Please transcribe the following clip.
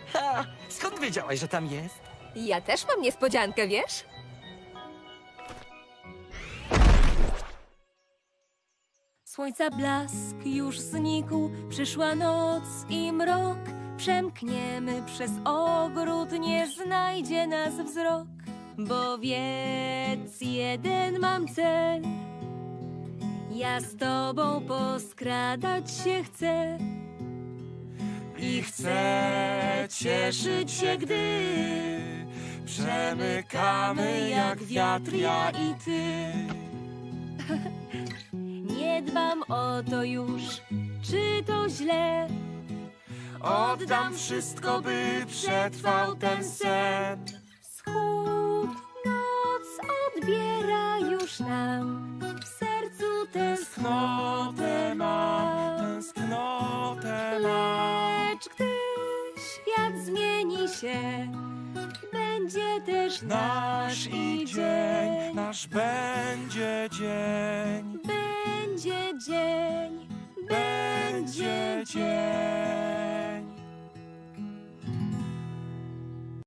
Ha! Skąd wiedziałaś, że tam jest? Ja też mam niespodziankę, wiesz? Słońca blask już znikł, przyszła noc i mrok. Przemkniemy przez ogród, nie znajdzie nas wzrok. Bo wiedz, jeden mam cel, ja z tobą poskradać się chcę. I chcę cieszyć się, gdy przemykamy jak wiatr, ja i ty. Nie dbam o to już, czy to źle. Oddam wszystko, by przetrwał ten sen. Wschód, noc odbiera już nam, w sercu Tęsknotę mam, tęsknotę mam. Lecz gdy świat zmieni się, będzie też Nasz i dzień, nasz będzie dzień, Będzie dzień, będzie dzień.